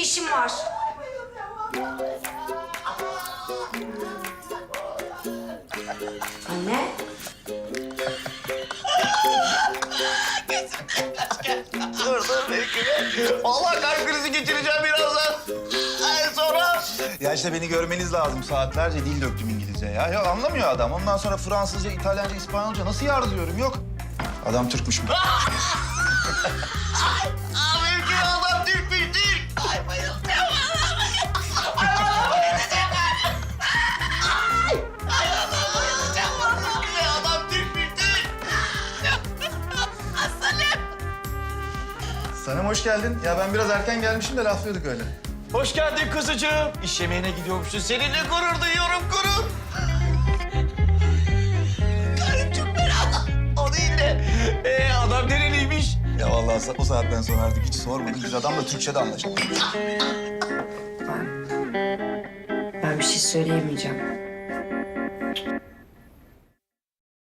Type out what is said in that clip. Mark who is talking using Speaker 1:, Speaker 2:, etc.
Speaker 1: işim var. Anne.
Speaker 2: Dur bekle. Allah kalp krizi geçireceğim birazdan. Ay sonra.
Speaker 3: Ya işte beni görmeniz lazım. Saatlerce dil döktüm İngilizce ya. Ya anlamıyor adam. Ondan sonra Fransızca, İtalyanca, İspanyolca nasıl yar diyorum yok. Adam Türkmüş mü?
Speaker 2: Mümkün adam Türkmüş Türk. Ay bayıldım. Adam Türkmüş Türk.
Speaker 3: Sanem hoş geldin. Ya ben biraz erken gelmişim de laflıyorduk öyle.
Speaker 2: Hoş geldin kızıcığım. İş yemeğine gidiyormuşsun. Seninle gurur duyuyorum gurur. Karım çok merak. O değil de. Adam nereliymiş?
Speaker 3: Ya vallahi o saatten sonra artık hiç sormadım. Biz adamla Türkçe'de anlaştık.
Speaker 1: Ben bir şey söyleyemeyeceğim.